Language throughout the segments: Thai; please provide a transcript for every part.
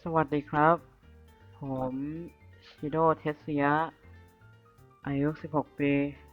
สวัสดีครับ ผมชิโดเทสยะอายุ 16 ปี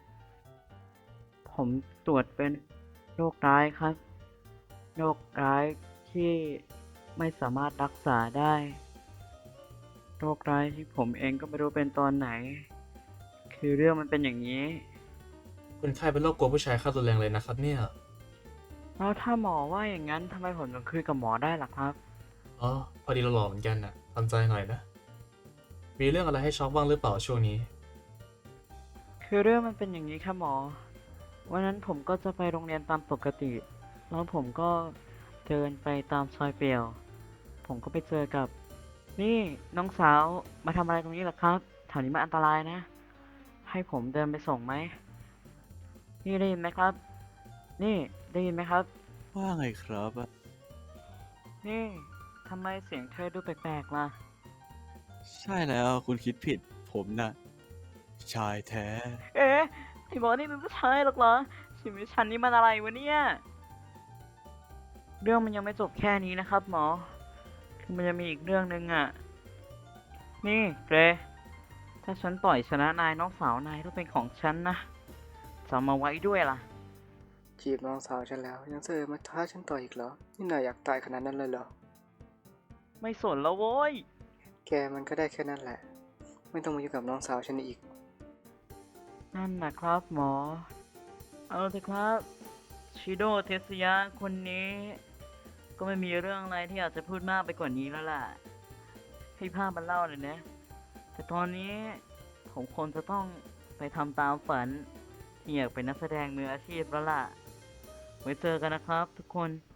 ผมตรวจเป็นโรคร้ายครับ โรคร้ายที่ไม่สามารถรักษาได้ โรคร้ายที่ผมเองก็ไม่รู้เป็นตอนไหน คือเรื่องมันเป็นอย่างนี้คุณไข้เป็นโรคกลัวผู้ชายเข้ารุนแรงเลยนะครับเนี่ยแล้วถ้าหมอว่าอย่างนั้นทำไมผมถึงคุยกับหมอได้ล่ะครับอ๋อพอดีเราหล่อเหมือนกันน่ะทำใจหน่อยนะมีเรื่องอะไรให้ช็อกบ้างหรือเปล่าช่วงนี้คือเรื่องมันเป็นอย่างนี้ครับหมอ วันนั้นผมก็จะไปโรงเรียนตามปกติ แล้วผมก็เดินไปตามซอยเปลี่ยว ผมก็ไปเจอกับ นี่น้องสาวมาทำอะไรตรงนี้ล่ะครับแถวนี้มันอันตรายนะ ให้ผมเดินไปส่งไหม นี่ได้ยินไหมครับ นี่ได้ยินไหมครับว่าไงครับนี่ทำไมเสียงเธอดูแปลกๆล่ะใช่แล้วคุณคิดผิดผมน่ะชายแท้เอ๊ะไอ้หมอนี่เป็นผู้ชายหรอกเหรอชีวิตฉันนี่มันอะไรวะเนี่ย เรื่องมันยังไม่จบแค่นี้นะครับหมอ คือมันจะมีอีกเรื่องหนึ่งอ่ะ นี่เกรย์ถ้าฉันต่อยชนะนายน้องสาวนายต้องเป็นของฉันนะจำมาไว้ด้วยล่ะจีบน้องสาวฉันแล้วยังเสือมาท้าฉันต่ออีกเหรอ นี่นายอยากตายขนาดนั้นเลยเหรอไม่สนแล้วโว้ยแกมันก็ได้แค่นั้นแหละ ไม่ต้องมายุ่งกับน้องสาวฉันอีกนั่นนะครับหมอ เอาเถอะครับ ชิโดเทสยะคนนี้ ก็ไม่มีเรื่องอะไรที่อยากจะพูดมากไปกว่านี้แล้วล่ะ ให้ภาพมันเล่าเลยนะ แต่ตอนนี้ผมคงจะต้องไปทำตามฝันที่อยากเป็นนักแสดงมืออาชีพแล้วล่ะ ไว้เจอกันนะครับทุกคน